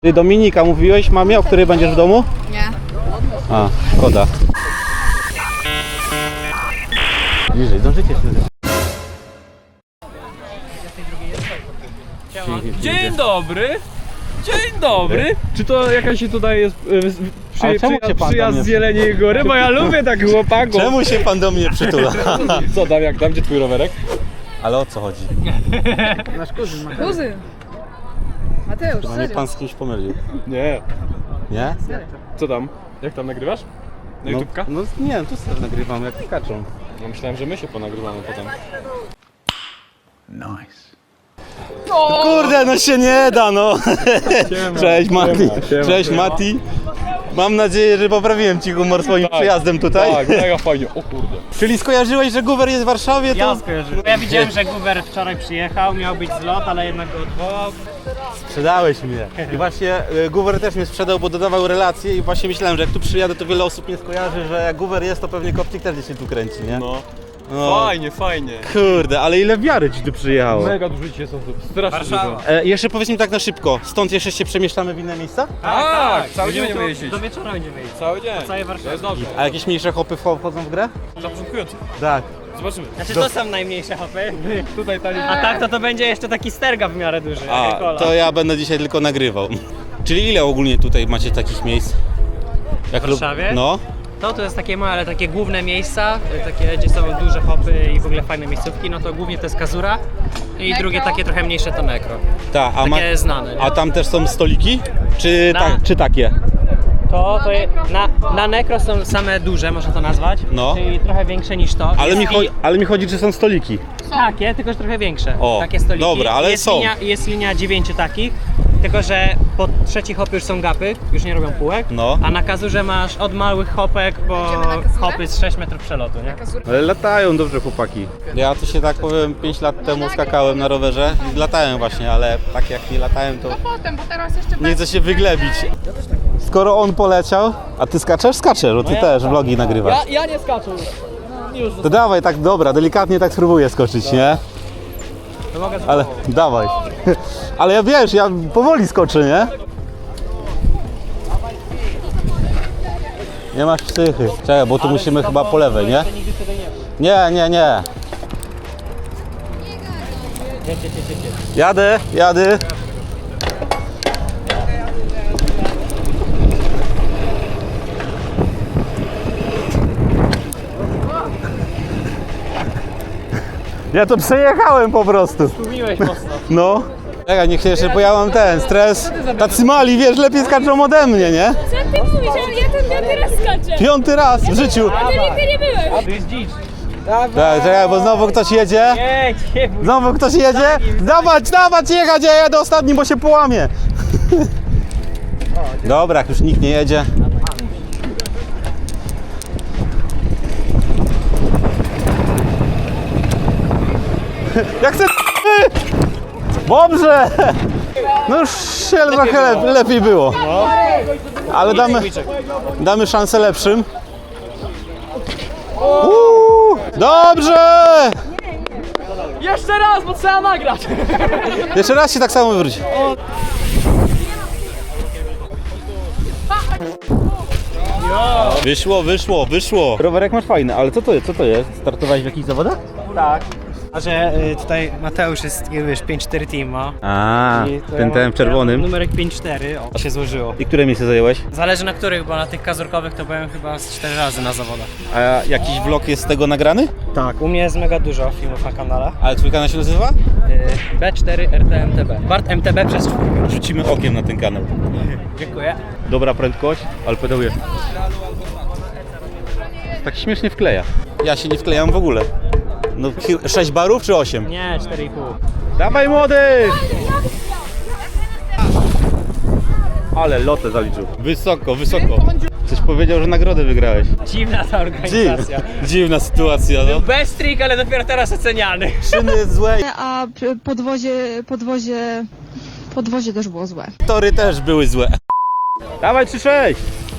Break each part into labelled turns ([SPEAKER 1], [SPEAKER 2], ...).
[SPEAKER 1] Ty Dominika, mówiłeś mamie, o której będziesz w domu?
[SPEAKER 2] Nie.
[SPEAKER 1] A, szkoda. Bliżej, zdążycie się.
[SPEAKER 3] Dzień dobry! Dzień dobry! Czy to jakaś tutaj jest
[SPEAKER 1] Ale czemu cię pan do
[SPEAKER 3] przyjazd
[SPEAKER 1] mnie
[SPEAKER 3] z Jeleniej Góry? Bo ja lubię tak chłopaków.
[SPEAKER 1] Czemu się pan do mnie przytula?
[SPEAKER 3] Co tam, jak tam? Gdzie twój rowerek?
[SPEAKER 1] Ale o co chodzi?
[SPEAKER 2] Nasz kuzyn Mateusz. Kuzyn? Mateusz,
[SPEAKER 1] Chyba mnie pan z kimś pomylił.
[SPEAKER 3] Nie.
[SPEAKER 1] Nie?
[SPEAKER 3] Co tam? Jak tam nagrywasz? Na YouTubka?
[SPEAKER 1] No nie, tu sobie nagrywam jak skaczą.
[SPEAKER 3] No myślałem, że my się ponagrywamy potem.
[SPEAKER 1] Kurde, no się nie da, no. Cześć Mati.
[SPEAKER 3] siema,
[SPEAKER 1] Cześć
[SPEAKER 3] siema.
[SPEAKER 1] Mati. Mam nadzieję, że poprawiłem ci humor swoim przyjazdem tutaj.
[SPEAKER 3] Tak, mega fajnie, o kurde.
[SPEAKER 1] Czyli skojarzyłeś, że Guwer jest w Warszawie, to...
[SPEAKER 4] Ja skojarzyłem. Ja widziałem, że Guwer wczoraj przyjechał, miał być zlot, ale jednak go odwołał.
[SPEAKER 1] Sprzedałeś mnie. I właśnie Guwer też mnie sprzedał, bo dodawał relacje i właśnie myślałem, że jak tu przyjadę, to wiele osób nie skojarzy, że jak Guwer jest, to pewnie Kopcik też gdzieś się tu kręci, nie?
[SPEAKER 3] No. Fajnie, fajnie.
[SPEAKER 1] Kurde, ale ile wiary ci tu przyjechało.
[SPEAKER 3] Mega dużo dzisiaj są tu, strasznie
[SPEAKER 4] Warszawa.
[SPEAKER 3] dużo.
[SPEAKER 1] Jeszcze powiedz mi tak na szybko, stąd jeszcze się przemieszczamy w inne miejsca?
[SPEAKER 3] Tak, cały dzień
[SPEAKER 4] Będziemy
[SPEAKER 3] będziemy jeździć.
[SPEAKER 4] Do wieczora będziemy jeździć.
[SPEAKER 3] Cały dzień.
[SPEAKER 4] całej Warszawie.
[SPEAKER 3] To jest dobrze.
[SPEAKER 1] A jakieś mniejsze hopy wchodzą w grę?
[SPEAKER 3] Dla początkujących.
[SPEAKER 1] Tak.
[SPEAKER 3] Zobaczymy.
[SPEAKER 4] Znaczy to są najmniejsze hopy.
[SPEAKER 3] Tutaj tali.
[SPEAKER 4] A tak to będzie jeszcze taki sterga w miarę duży. jak
[SPEAKER 1] A,
[SPEAKER 4] kola.
[SPEAKER 1] to ja będę dzisiaj tylko nagrywał. Czyli ile ogólnie tutaj macie takich miejsc? Jak
[SPEAKER 4] W Warszawie?
[SPEAKER 1] No.
[SPEAKER 4] To jest takie małe, ale takie główne miejsca, takie gdzie są duże hopy i w ogóle fajne miejscówki, no to głównie to jest Kazura i drugie takie trochę mniejsze to Nekro.
[SPEAKER 1] Ta,
[SPEAKER 4] Takie znane, nie?
[SPEAKER 1] a tam też są stoliki? Czy,
[SPEAKER 4] Na-
[SPEAKER 1] czy takie?
[SPEAKER 4] Na Nekro są same duże, można to nazwać,
[SPEAKER 1] No.
[SPEAKER 4] czyli trochę większe niż to.
[SPEAKER 1] Ale mi chodzi, czy są stoliki.
[SPEAKER 4] Takie, tylko że trochę większe.
[SPEAKER 1] O,
[SPEAKER 4] takie stoliki.
[SPEAKER 1] dobra, ale
[SPEAKER 4] jest
[SPEAKER 1] są.
[SPEAKER 4] Jest linia 9 takich, tylko że po trzecich hopy już są gapy, już nie robią półek,
[SPEAKER 1] No.
[SPEAKER 4] a na Kazurze masz od małych hopek po
[SPEAKER 2] Idziemy na Kazurę?
[SPEAKER 4] hopy z 6 metrów przelotu, nie?
[SPEAKER 1] Ale latają dobrze chłopaki. Ja tu się tak powiem 5 lat temu skakałem na rowerze i latałem właśnie, ale tak jak nie latałem, to
[SPEAKER 2] Potem, bo teraz jeszcze
[SPEAKER 1] nie chcę się wyglebić. Skoro on poleciał, a ty skaczesz? Skaczesz, bo ty też vlogi nagrywasz.
[SPEAKER 4] Ja nie skaczę już.
[SPEAKER 1] To dawaj tak, dobra, delikatnie tak spróbuję skoczyć, nie?
[SPEAKER 4] To mogę
[SPEAKER 1] Ale dawaj. Ale ja wiesz, ja powoli skoczę, nie? Nie masz psychy. Czekaj, bo tu musimy chyba po lewej, nie? Nie. Jadę. Ja to przejechałem po prostu.
[SPEAKER 4] Tłumiłeś mocno.
[SPEAKER 1] No. Czekaj, niech się jeszcze, bo ja mam ten stres. Tacy mali, wiesz, lepiej skaczą ode mnie, nie?
[SPEAKER 5] Co ty mówisz? Ja ten piąty raz skaczę.
[SPEAKER 1] 5. raz w życiu.
[SPEAKER 5] A ty nigdy nie byłeś.
[SPEAKER 4] To jest dzicz.
[SPEAKER 1] Tak, czekaj, bo znowu ktoś jedzie.
[SPEAKER 4] Nie bój.
[SPEAKER 1] Znowu ktoś jedzie. Dawać jechać, ja jadę ostatni, bo się połamie. Dobra, jak już nikt nie jedzie. Jak chcę. Dobrze! No już się trochę lepiej było. Ale damy szansę lepszym. Dobrze!
[SPEAKER 4] Jeszcze raz, bo trzeba nagrać.
[SPEAKER 1] Jeszcze raz się tak samo wywróci. Wyszło. Rowerek masz fajny, ale co to jest? Startowałeś w jakichś zawodach?
[SPEAKER 4] Tak. A że tutaj Mateusz jest, wiesz, 5-4 team ma.
[SPEAKER 1] A,
[SPEAKER 4] I to
[SPEAKER 1] ten w czerwonym.
[SPEAKER 4] Numerek 5-4, o, się złożyło.
[SPEAKER 1] I które miejsce zająłeś?
[SPEAKER 4] Zależy na których, bo na tych kazurkowych to byłem chyba z 4 razy na zawodach.
[SPEAKER 1] A jakiś vlog jest z tego nagrany?
[SPEAKER 4] Tak. U mnie jest mega dużo filmów na kanale.
[SPEAKER 1] Ale twój kanał się nazywa?
[SPEAKER 4] B4 RTMTB. Bart MTB przez 4.
[SPEAKER 1] Rzucimy okiem na ten kanał.
[SPEAKER 4] Dziękuję.
[SPEAKER 1] Dobra prędkość, ale pedałuje. Tak śmiesznie wkleja. Ja się nie wklejam w ogóle. No 6 barów czy 8?
[SPEAKER 4] Nie, 4,5.
[SPEAKER 1] Dawaj młody! Ale lotę zaliczył. Wysoko. Coś powiedział, że nagrodę wygrałeś.
[SPEAKER 4] Dziwna ta organizacja.
[SPEAKER 1] Dziwna sytuacja, no.
[SPEAKER 4] Bez trik, ale dopiero teraz oceniany.
[SPEAKER 1] Szyny jest złe,
[SPEAKER 2] A podwozie też było złe.
[SPEAKER 1] tory też były złe. Dawaj 3-6!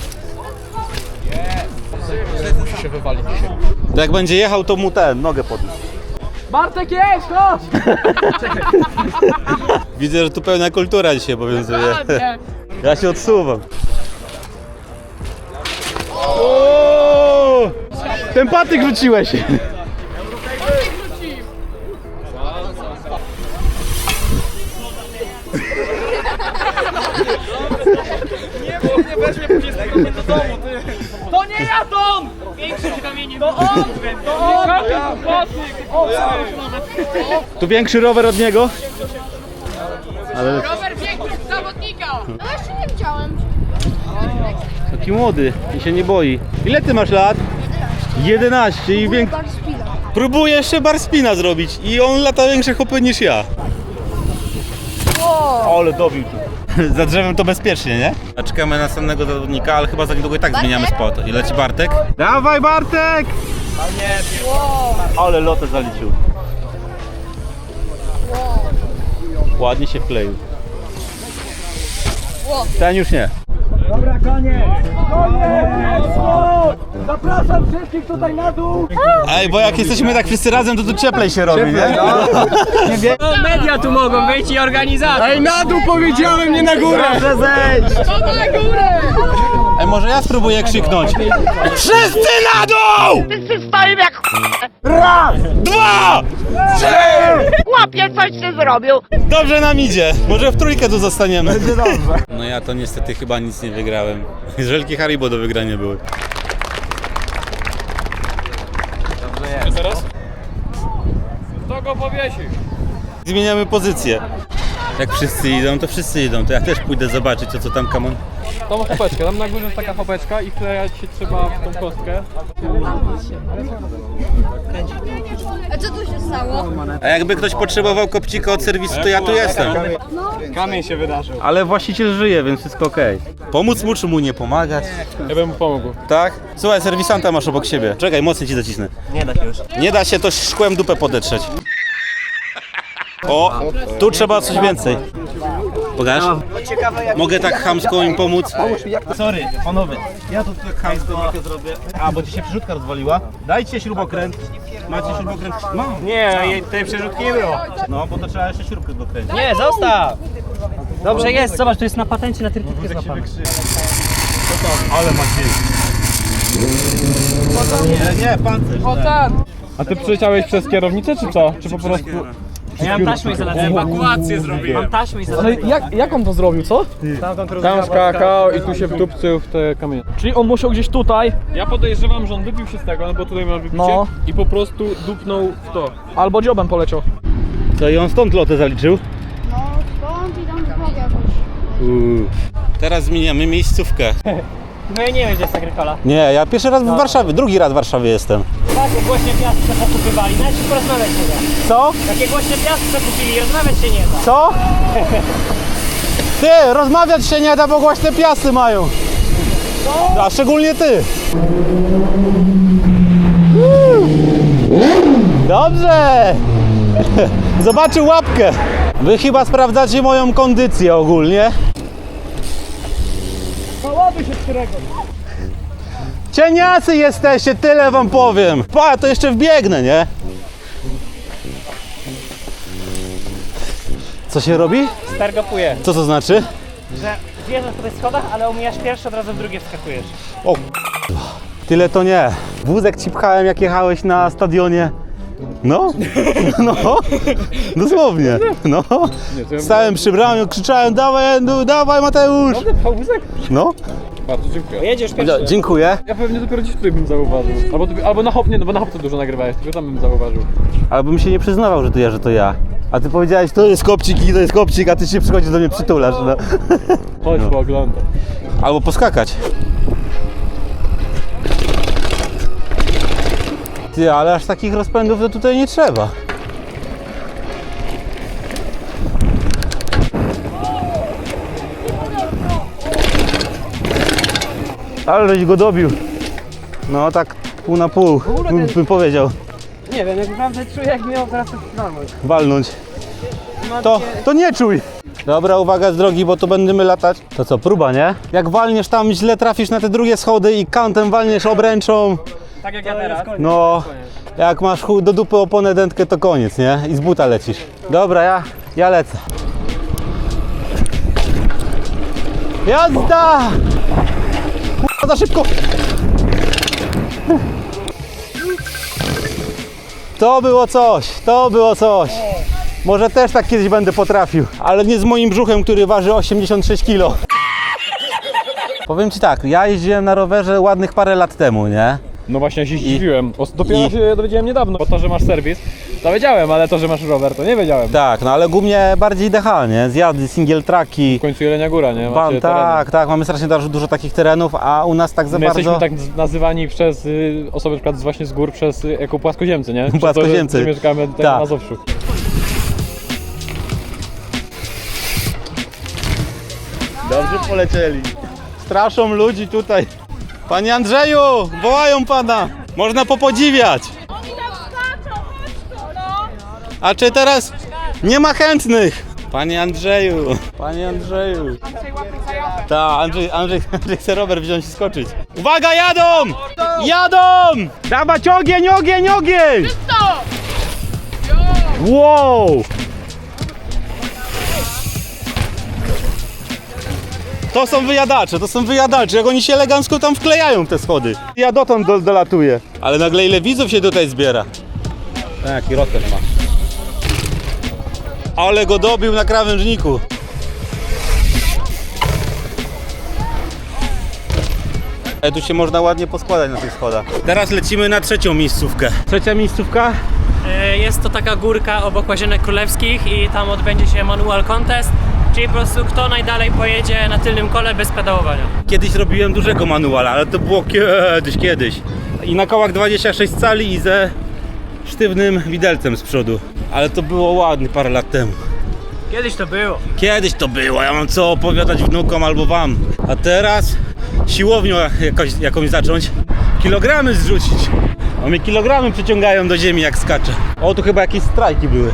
[SPEAKER 3] Musi się wywalić dzisiaj.
[SPEAKER 1] To jak będzie jechał, to mu nogę podnieść.
[SPEAKER 4] Bartek jest, chodź!
[SPEAKER 1] Widzę, że tu pełna kultura dzisiaj obowiązuje. Ja się odsuwam. O! Ten patyk rzuciłeś.
[SPEAKER 3] To nie ja Tom!
[SPEAKER 4] Większy kamieniem.
[SPEAKER 3] To on! To on!
[SPEAKER 1] Tu większy rower od niego. Ale
[SPEAKER 2] Rower biegł zawodnika!
[SPEAKER 5] No jeszcze nie widziałem.
[SPEAKER 1] taki młody i się nie boi. Ile ty masz lat? 11 i większy. Próbuję jeszcze bar spina zrobić i on lata większe hopy niż ja. Ale dobił tu. Za drzewem to bezpiecznie, nie? A czekamy na następnego zawodnika, ale chyba za niedługo i tak zmieniamy spot. I leci Bartek. Dawaj Bartek! Ale lotę zaliczył. Ładnie się wkleił. Ten już nie.
[SPEAKER 3] Zapraszam wszystkich tutaj na dół!
[SPEAKER 1] Ej, bo jak jesteśmy tak wszyscy razem, to tu cieplej się robi, nie?
[SPEAKER 4] No, media tu mogą być i organizator.
[SPEAKER 3] Ej, na dół powiedziałem, nie na górę!
[SPEAKER 1] Proszę zejść! Ej, może ja spróbuję krzyknąć. Wszyscy na dół!
[SPEAKER 6] Wszyscy stoją jak
[SPEAKER 1] Raz, dwa, trzy!
[SPEAKER 6] chłopie, coś ty zrobił.
[SPEAKER 1] Dobrze nam idzie. Może w trójkę tu zostaniemy. Będzie dobrze. No ja to niestety chyba nic nie wygrałem. Żelki Haribo do wygrania były.
[SPEAKER 3] A teraz? Kto go powiesi?
[SPEAKER 1] Zmieniamy pozycję. Jak wszyscy idą, to wszyscy idą. To ja też pójdę zobaczyć, o co tam Kamon.
[SPEAKER 3] Tą chopeczkę, tam na górze jest taka chopeczka i wklejać się trzeba w tą kostkę.
[SPEAKER 5] A co tu się stało?
[SPEAKER 1] A jakby ktoś potrzebował kopcika od serwisu, to ja tu jestem.
[SPEAKER 3] Kamień się wydarzył.
[SPEAKER 1] Ale właściciel żyje, więc wszystko okej. Pomóc mu, czy mu nie pomagać?
[SPEAKER 3] Ja bym mu pomógł.
[SPEAKER 1] Tak? Słuchaj, serwisanta masz obok siebie. Czekaj, mocniej ci zacisnę. Nie da się już. Nie da się, to szkłem dupę podetrzeć. O, tu trzeba coś więcej. Pokaż? Mogę tak chamsko im pomóc? Sorry, panowie, ja to tak chamsko trochę zrobię. A, bo ci się przerzutka rozwaliła. Dajcie śrubokręt. Macie śrubokręt? No.
[SPEAKER 4] Nie, tej przerzutki nie było.
[SPEAKER 1] No, bo to trzeba jeszcze śrubkę dokręcić.
[SPEAKER 4] Nie, zostaw! Dobrze jest, zobacz, to jest na patencie na trytytkę złapane.
[SPEAKER 1] Ale ma dźwięk. Nie, pancerz.
[SPEAKER 2] O ten!
[SPEAKER 3] A ty przyleciałeś przez kierownicę, czy co? Czy po prostu...
[SPEAKER 4] Ja mam taśmę izolacyjną. Ewakuację zrobiłem. Mam taśmę
[SPEAKER 3] Ale
[SPEAKER 4] izolacyjną.
[SPEAKER 3] jak on to zrobił, co? Tam skakał i tu się wdupcył w te kamienie. Czyli on musiał gdzieś tutaj. Ja podejrzewam, że on wypił się z tego, no bo tutaj ma wypicie.
[SPEAKER 7] No.
[SPEAKER 3] I po prostu dupnął w to.
[SPEAKER 7] Albo dziobem poleciał.
[SPEAKER 1] Co, i on stąd lotę zaliczył?
[SPEAKER 5] No skąd i tam drogę jakoś.
[SPEAKER 1] Teraz zmieniamy miejscówkę.
[SPEAKER 4] No ja nie wiem, gdzie jest Agrykola.
[SPEAKER 1] Nie, ja pierwszy raz w Warszawie, drugi raz w Warszawie jestem.
[SPEAKER 4] Takie głośne piasty se pokupywali, nawet się porozmawiać nie da.
[SPEAKER 1] Co?
[SPEAKER 4] Takie głośne piasty se kupili, rozmawiać się nie da.
[SPEAKER 1] Co? Ty, rozmawiać się nie da, bo głośne piasy mają. A szczególnie ty. Dobrze. Zobaczył łapkę. Wy chyba sprawdzacie moją kondycję ogólnie. Cieniasy jesteście, tyle wam powiem. Pa, to jeszcze wbiegnę, nie? Co się robi?
[SPEAKER 4] Stargopuje,
[SPEAKER 1] Co to znaczy?
[SPEAKER 4] że zjeżdżasz po tych schodach, ale omijasz pierwszy, od razu w drugie wskakujesz.
[SPEAKER 1] O tyle to nie. Wózek ci pchałem, jak jechałeś na stadionie. No, no, dosłownie, no. Stałem przy bramie, krzyczałem, dawaj Endu, dawaj Mateusz.
[SPEAKER 3] Wózek?
[SPEAKER 1] No,
[SPEAKER 3] Bardzo dziękuję.
[SPEAKER 4] Jedziesz pierwszy.
[SPEAKER 1] dziękuję.
[SPEAKER 3] Ja pewnie dopiero dziś tutaj bym zauważył. Albo na hop, nie, no bo na hop to dużo nagrywałeś, tylko tam bym zauważył.
[SPEAKER 1] Ale bym się nie przyznawał, że to ja. A ty powiedziałeś, to jest kopcik i to jest kopcik, a ty się przychodzisz do mnie przytulasz, no.
[SPEAKER 3] Chodź, pooglądaj.
[SPEAKER 1] Albo poskakać. Ty, ale aż takich rozpędów to tutaj nie trzeba. Ale żeś go dobił. No tak pół na pół, bym powiedział.
[SPEAKER 4] Nie wiem, jak naprawdę czuję, jak miał teraz
[SPEAKER 1] Walnąć. To nie czuj. Dobra, uwaga z drogi, bo tu będziemy latać. To co, próba, nie? Jak walniesz tam, źle trafisz na te drugie schody i kantem walniesz obręczą.
[SPEAKER 4] Tak jak ja teraz.
[SPEAKER 1] No, jak masz do dupy oponę dętkę, to koniec, nie? I z buta lecisz. Dobra, ja lecę. Jazda! Kurwa, za szybko! To było coś, to było coś. Może też tak kiedyś będę potrafił, ale nie z moim brzuchem, który waży 86 kg. Powiem Ci tak, ja jeździłem na rowerze ładnych parę lat temu, nie?
[SPEAKER 3] No właśnie, ja się zdziwiłem. Dopiero się dowiedziałem niedawno. Bo to, że masz serwis, to wiedziałem, ale to, że masz rower, to nie wiedziałem.
[SPEAKER 1] Tak, no ale głównie bardziej DH, nie? Zjazdy, single tracki.
[SPEAKER 3] W końcu Jelenia Góra, nie? Macie
[SPEAKER 1] Tak, tak, mamy strasznie dużo takich terenów, a u nas tak za
[SPEAKER 3] My
[SPEAKER 1] bardzo...
[SPEAKER 3] jesteśmy tak nazywani przez osoby na przykład właśnie z gór, jako płaskoziemcy, nie? Przez
[SPEAKER 1] Płaskoziemcy.
[SPEAKER 3] To, że mieszkamy tutaj
[SPEAKER 1] Tak.
[SPEAKER 3] na Mazowszu.
[SPEAKER 1] Dobrze polecieli. Straszą ludzi tutaj. Panie Andrzeju, wołają pana. Można popodziwiać.
[SPEAKER 2] Oni tam skaczą, chodź tu, no!
[SPEAKER 1] A czy teraz nie ma chętnych? Panie Andrzeju, panie Andrzeju.
[SPEAKER 2] Andrzej łapy zajawę.
[SPEAKER 1] Tak, Andrzej chce rower wziąć i skoczyć. Uwaga, jadą! Jadą! Dawać ogień, ogień, ogień!
[SPEAKER 2] Czysto!
[SPEAKER 1] Wow! To są wyjadacze, jak oni się elegancko tam wklejają w te schody. Ja dotąd dolatuję. Ale nagle ile widzów się tutaj zbiera. Jaki rozkaz ma. Ale go dobił na krawężniku. Tu się można ładnie poskładać na tych schodach. Teraz lecimy na trzecią miejscówkę. Trzecia miejscówka?
[SPEAKER 4] Jest to taka górka obok Łazienek Królewskich i tam odbędzie się manual contest, czyli po prostu kto najdalej pojedzie na tylnym kole bez pedałowania.
[SPEAKER 1] Kiedyś robiłem dużego manuala, ale to było kiedyś. I na kołach 26 cali i ze sztywnym widelcem z przodu. Ale to było ładnie parę lat temu. Kiedyś to było, ja mam co opowiadać wnukom albo wam. A teraz siłownią jakąś zacząć, kilogramy zrzucić. A mnie kilogramy przyciągają do ziemi jak skaczę. O, tu chyba jakieś strajki były.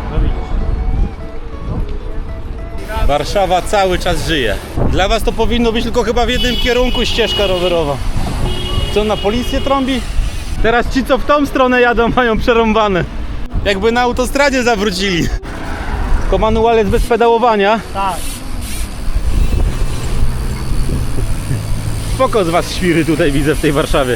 [SPEAKER 1] Warszawa cały czas żyje. Dla was to powinno być tylko chyba w jednym kierunku ścieżka rowerowa. Co, na policję trąbi? Teraz ci, co w tą stronę jadą, mają przerąbane. Jakby na autostradzie zawrócili. Tylko manual jest bez pedałowania.
[SPEAKER 4] Tak.
[SPEAKER 1] Spoko z was świry tutaj widzę w tej Warszawie.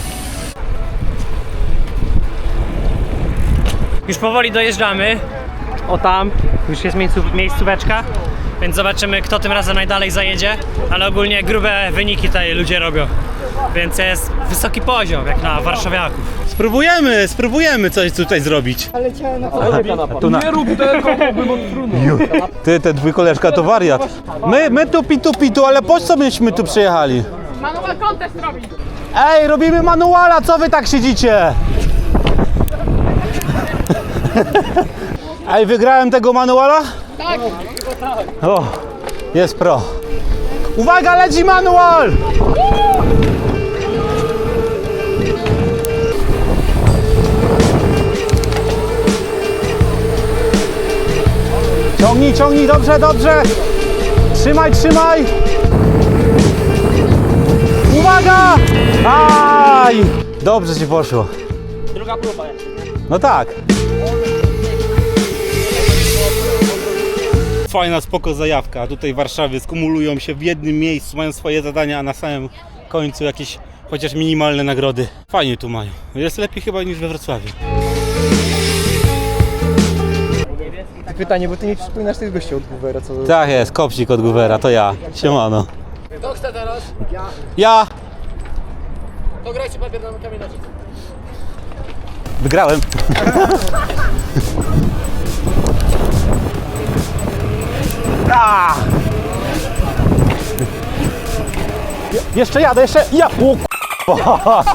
[SPEAKER 4] Już powoli dojeżdżamy. O tam, już jest miejscóweczka, więc zobaczymy, kto tym razem najdalej zajedzie, ale ogólnie grube wyniki tutaj ludzie robią, więc jest wysoki poziom, jak na warszawiaków.
[SPEAKER 1] Spróbujemy coś tutaj zrobić.
[SPEAKER 3] Nie rób tego, bym odfrunął.
[SPEAKER 1] Ty, te dwójkoleżka to wariat. My tu pitu, ale po co myśmy tu przyjechali?
[SPEAKER 2] Manual contest robi.
[SPEAKER 1] Ej, robimy manuala, co wy tak siedzicie? Ej, wygrałem tego manuala?
[SPEAKER 2] Tak.
[SPEAKER 1] O, jest pro. Uwaga, leci manual! Ciągnij, dobrze. Trzymaj. Uwaga! Aj! Dobrze ci poszło.
[SPEAKER 4] Druga próba.
[SPEAKER 1] No tak. Fajna, spoko zajawka. A tutaj w Warszawie skumulują się w jednym miejscu, mają swoje zadania, a na samym końcu jakieś chociaż minimalne nagrody. Fajnie tu mają. Jest lepiej chyba niż we Wrocławiu.
[SPEAKER 7] Pytanie, bo ty nie przypominasz tych gości od Goovera, co...
[SPEAKER 1] Tak jest, kopcik od Goovera, to ja. Siemano.
[SPEAKER 7] Kto chce teraz?
[SPEAKER 1] Ja!
[SPEAKER 7] To grajcie papier na kamień nożyce.
[SPEAKER 1] Wygrałem. A! Jeszcze jadę. Ja! O, k***a.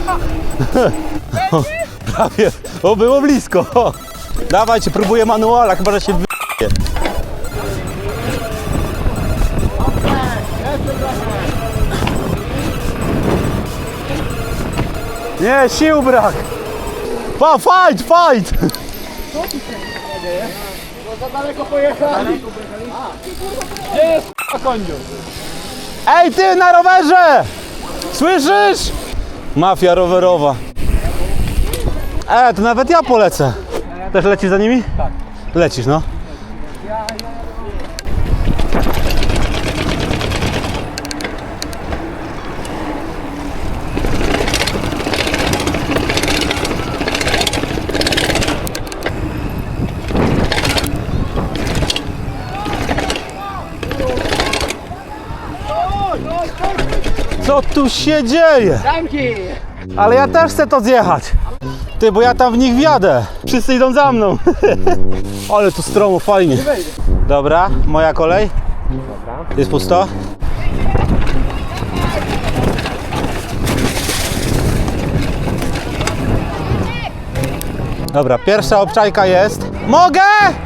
[SPEAKER 1] Prawie. O, było blisko. Dawajcie, próbuję manuala, chyba że się wy***je. Nie, sił brak. Fight!
[SPEAKER 7] Co tu się dzieje? Bo za daleko pojechali. Gdzie jest koniu?
[SPEAKER 1] Ej, ty na rowerze! Słyszysz? Mafia rowerowa. To nawet ja polecę. Też lecisz za nimi? Tak. Lecisz, no. Co tu się dzieje?
[SPEAKER 7] Damki!
[SPEAKER 1] Ale ja też chcę to zjechać. Ty, bo ja tam w nich wjadę. Wszyscy idą za mną. Ale tu stromo, fajnie. Dobra, moja kolej. Jest pusto? Dobra, pierwsza obczajka jest. Mogę!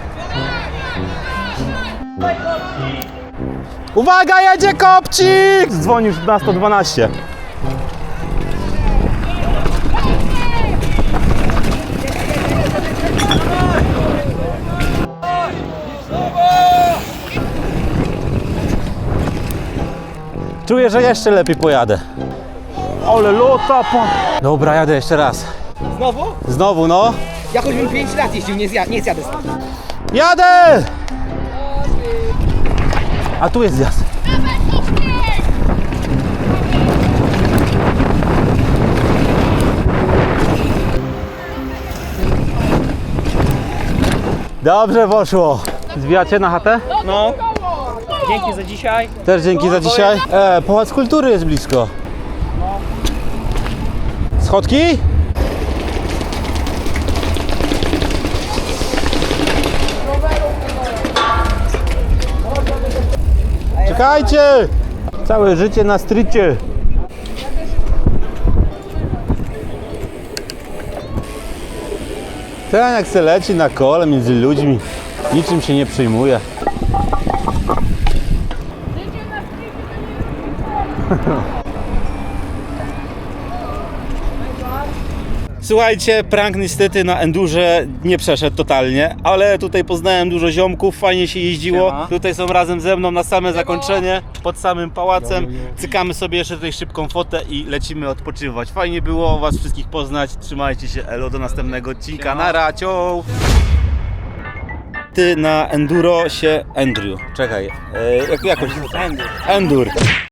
[SPEAKER 1] Uwaga, jedzie kopcik! Dzwonił na 112. Czuję, że jeszcze lepiej pojadę. Ale lota po... Dobra, jadę jeszcze raz.
[SPEAKER 7] Znowu?
[SPEAKER 1] Znowu, no.
[SPEAKER 7] Ja choćbym 5 lat jeździł, nie zjadę stąd.
[SPEAKER 1] Jadę! A tu jest zjazd. Dobrze poszło. Zbijacie na chatę?
[SPEAKER 4] No. Dzięki za dzisiaj.
[SPEAKER 1] Też dzięki za dzisiaj. Pałac Kultury jest blisko. Schodki? Czekajcie! Całe życie na strycie. Ten jak se leci na kole między ludźmi, niczym się nie przejmuje. Słuchajcie, prank niestety na endurze nie przeszedł totalnie, ale tutaj poznałem dużo ziomków, fajnie się jeździło.
[SPEAKER 3] Siema.
[SPEAKER 1] Tutaj są razem ze mną na same zakończenie, pod samym pałacem. Cykamy sobie jeszcze tutaj szybką fotę i lecimy odpoczywać. Fajnie było was wszystkich poznać, trzymajcie się, elo, do następnego odcinka, nara, ciao! Ty na enduro się... Andrew, czekaj, jakoś... Endur.